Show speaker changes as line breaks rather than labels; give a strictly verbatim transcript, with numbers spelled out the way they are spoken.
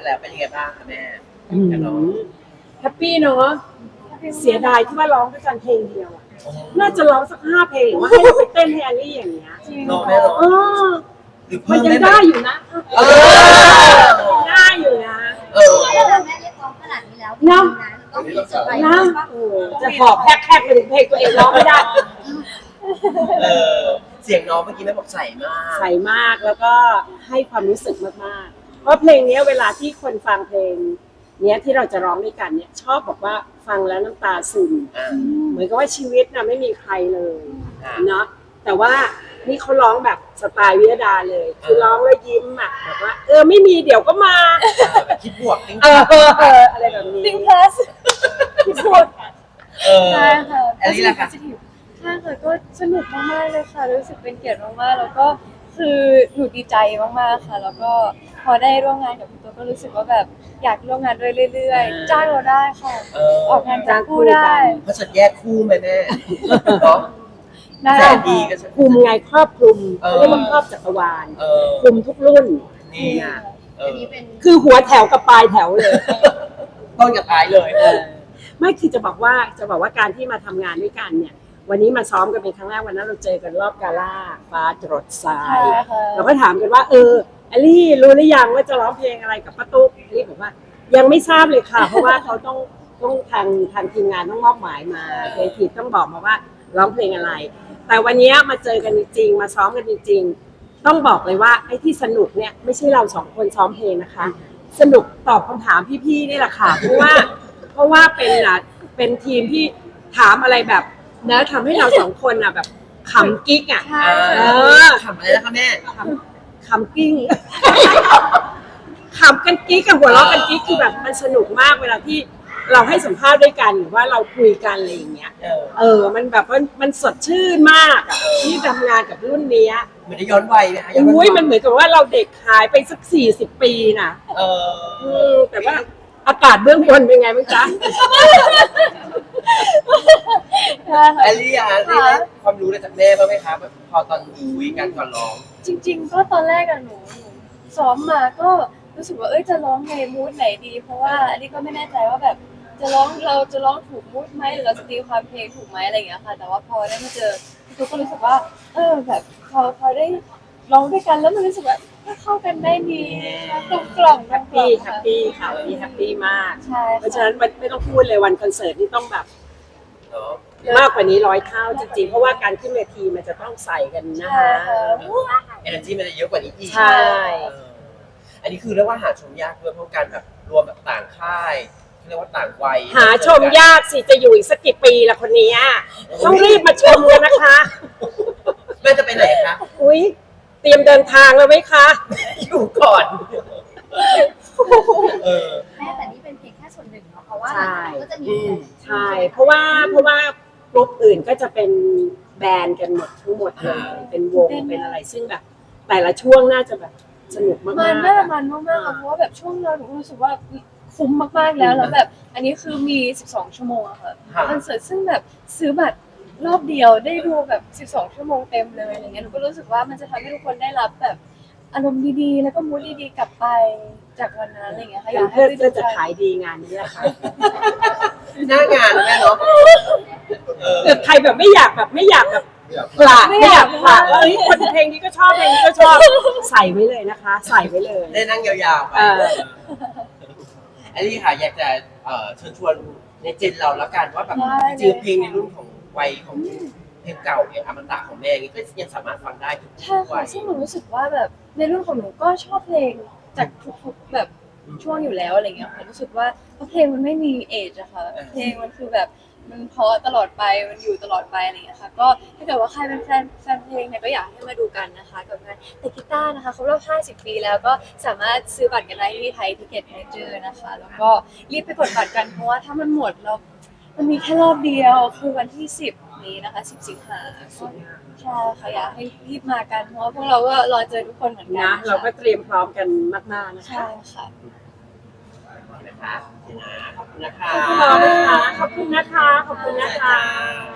แล้วเป็นยังไงบ้างคะแม่
อืมแฮปปี้เนาะเสียดายที่ว่าร้องด้วยกันเพลงเดียวอะน่าจะร้องสักห้าเพลงหรือว่าให้เราไปเต้นให้แอลลี่อย่างเงี้ย
เนาะแม่เนาะ
เออ
หรือ
มั
เพิ่
น
ม
ยัง
ได้
ได้
ไหม
อยู่นะ
เออ
ยังได้อยู่นะ
เออ
ถ้าแม่เรียกร้องขนาดนี้แล้ว
เนาะ
ต้องมีเซอร์ไพรส์
นะ
บ้าง
โอ้จะหอบแฮกๆไปถึงเพลงตัวเองร้องไม่ได้
เออเสียงน้องเมื่อกี้แม่บอกใสมาก
ใส่มากแล้วก็ให้ความรู้สึกมากๆ เพราะเพลงนี้เวลาที่คนฟังเพลงเนี้ยที่เราจะร้องด้วยกันเนี่ยชอบบอกว่าฟังแล้วน้ำตาซึม
อ่า
เหมือนกับว่าชีวิตน่ะไม่มีใครเลย
อ่า
เนาะแต่ว่านี่เขาร้องแบบสไตล์วิยดาเลย คือร้องแล้วยิ้มอ่ะแบบว่าเออไม่มีเดี๋ยวก็มา
แบบคิดบวกจริง
เออเออเอออะไรแบบนี้
ติงเพลสที่สุด
เออ
ใช่ค่ะ
แอลลี่ล่ะคะ
positive ใช่ค่ะก็สนุกมากๆเลยค่ะรู้สึกเป็นเกียรติมากๆแล้วก็คือหนูดีใจมากๆค่ะ แล้วก็พอได้ร่วมงานกับพี่ตัวก็รู้สึกว่าแบบอยากร่วมงานด้วยเรื่อยๆจ้างเราได้ค่ะ
เออ
ออกงานจ้างคู่ได้
เพราะฉันแยกคู่ไหมแม่เนาะ
ได้
แสนดีก็ฉัน
คลุมไงครอบคลุม
เออ
เรียกว่าครอบจักรวาล
เออ
คลุมทุกรุ่น
นี่อ่ะเอ
อัน
อ
นี้เป็น
คือหัวแถวกับปลายแถวเลย
ต้นกับท้ายเลย
เออไม่คือจะบอกว่าจะบอกว่าการที่มาทำงานด้วยกันเนี่ย วันนี้มาซ้อมกันเป็นครั้งแรกวันนั้นเราเจอกันรอบกาล่าฟ้าจรดทรา
ใช่
ย
ค่ะ
เราก็ถามกันว่าเอออลี่รู้หรือยังว่าจะร้องเพลงอะไรกับป้าตุ๊กอลี่บอกว่ายังไม่ทราบเลยค่ะ เพราะว่าเขาต้องต้องทางทางทีมงานต้องมอบหมายมาเคทีต้องบอกมาว่าร้องเพลงอะไร แต่วันนี้มาเจอกันจริงๆมาซ้อมกันจริงๆต้องบอกเลยว่าไอ้ที่สนุกเนี่ยไม่ใช่เราสองคนซ้อมเพลงนะคะ สนุกตอบคำถามพี่ๆนี่แหละค่ะเพราะว่าเพราะว่าเป็นอ่ะเป็นทีมที่ถามอะไรแบบนะทำให้เราสองคนอ่ะแบบขำกิ๊กอ่ะ
ใช่
เอ
ค่ะ
อ
ขำอะไรนะคะแม่
ขำขำกิ้ง ขำกันกิ๊กกับหัวเราะกันกิ๊กคือแบบมันสนุกมากเวลาที่เราให้สัมภาษณ์ด้วยกันหรือว่าเราคุยกันอะไรอย่างเงี้ย
เออ
เออ มันแบบว่ามันสดชื่นมากอะที่ทำงานกับรุ่นเนี้ย
เหมือนได้ย้อนวัยไหมคะย้อนวั
อุ้ยมันเหมือนกับว่าเราเด็กหายไปสักสี่สิบปีน่ะ
เอ
อื
อ
มแต่ว่าอากาศเบื้องบนเป็นไงบ้างจ๊ะ
ใช่ค่ะ
แอลลี่อะได้ได้ความรู้อะไรจากแม่บ้างไหมคะแบบพอตอนคุยกันก่อนร้อง
จริงๆ ก็ตอนแรกอะหนูหนูซ้อมมาก็รู้สึกว่าเอ้ยจะร้องในมูดไหนดี เพราะว่าอันนี้ก็ไม่แน่ใจว่าแบบจะร้องเราจะร้องถูกมูดไหมหรือเราจะตีความเพลงถูกไหมอะไรอย่างเงี้ยค่ะ แต่ว่าพอได้มาเจอพี่ตุ๊กก็รู้สึกว่า เออแบบพอพอได้ร้องด้วยกันแล้วมันรู้สึกแบบเข้ากันได้ดีกลมกล่อม
แฮปปี้แฮปปี้ค่ะวันนี้แฮปปี้มาก
ใช่
เพราะฉะนั้นมันไม่ต้องพูดเลยวันคอนเสิร์ตนี่ต้องแบบ
เนาะ
มากกว่านี้ร้อยเท่าจริงๆ เพราะว่าการขึ้นเวทีมันจะต้องใส่กันนะ
ใช่
คะ
ค่ะ
เอเนอร์จีมันจะเยอะกว่านี้อีก
ใช่
เอออันนี้คือเรียกว่าหาชมยากด้วยเพราะการแบบรวมแบบต่างค่ายเรียกว่าต่างวัย
หาชมยากสิจะอยู่อีกสักกี่ปีละคนนี้ต้องรีบมาชมกันนะคะ
แม่จะไปไหนคะ
อุ้ยเตรียมเดินทางแล้วไหมคะ
อยู่ก่อนเออ
แม่แต่นี่เป็นเพียงแค่ส่วนหนึ่งเนาะเพราะว่า
ใช่
ก็จะมี
อืม
ใช่ เพราะว่าเพราะว่ากลุ่มอื่นก็จะเป็นแบรนด์กันหมดทั้งหมดเลยเป็นวงเป็นอะไรซึ่งแบบ แต่ละช่วงน่าจะแบบสนุกมาก
มัน
ๆ
มาก
อะ
มันมากๆค่ะเพราะว่าแบบช่วงเราหนูรู้สึกว่าคุ้มมากๆแล้วแล้วแบบอันนี้คือมีสิบสองชั่วโมงอะค่ะ
ค่ะ
คอนเสิร์ตซึ่งแบบซื้อบัตรรอบเดียวได้ดูแบบสิบสองชั่วโมงเต็มเลยอะไรเงี้ยหนูก็รู้สึกว่ามันจะทำให้ทุกคนได้รับแบบอารมณ์ดีๆ แล้วก็มูดดีๆกลับไปจากวันนั้นอะไรเงี้ยค่ะอยากให้
เพื่อ
ไปดู
เพื่อจะ
กัน
ขายดีงานนี้แหละค่ะ
หน้างานแม่เนาะเออ
เกิดใครแบบไม่อยากแบบไม่อยากแบบกละไม่อยากกละว่าเฮ้ยคนเพลงนี้ก็ชอบเพลงนี้ก็ชอบใส่ไว้เลยนะคะ ใส่ไว้เลย
ได้นั่งยาวๆไป
เออ
อันนี้ค่ะอยากจะเอ่อเชิญชวนในเจนเราแล้วกันว่าแบบ
ได้
จริง
เลย
ๆเพลงในรุ่นของวัยของเพลงเก่าเนี่ยอมตะของแม่อย่างงี้ก็ยังสามารถฟังได้ทุก
ใช่
วั
ค่ะ
ย
ซึ่งหนูรู้สึกว่าแบบในรุ่นของหนูก็ชอบเพลงจากทุกๆแบบช่วงอยู่แล้วอะไรเงี้ยค่ะรู้สึกว่าเพลงมันไม่มีเอจอะค่ะเพลงมันคือแบบมันเพราะตลอดไปมันอยู่ตลอดไปอะไรเงี้ยค่ะก็ถ้าเกิดว่าใครเป็นแฟนแฟนเพลงเนี่ยก็อยากให้มาดูกันนะคะกับงานแต่กีตาร์นะคะครบรอบห้าสิบปีแล้วก็สามารถซื้อบัตรกันได้ที่ไทยทิเก็ตเมเจอร์นะคะแล้วก็รีบไปกดบัตรกันเพราะว่าถ้ามันหมดแล้วมันมีแค่รอบเดียวคือวันที่สิบนี้นะคะสิบสิงหาคมใช่ค่ะอยากให้รีบมากันเพราะว่าพวกเราก็รอเจอทุกคนเหมือนกัน
นะเราก็เตรียมพร้อมกันมากๆนะคะ
ใช่ค่ะ
นะคะขอบคุณนะคะ
ขอบคุณนะคะขอบคุณนะคะขอบคุณนะคะ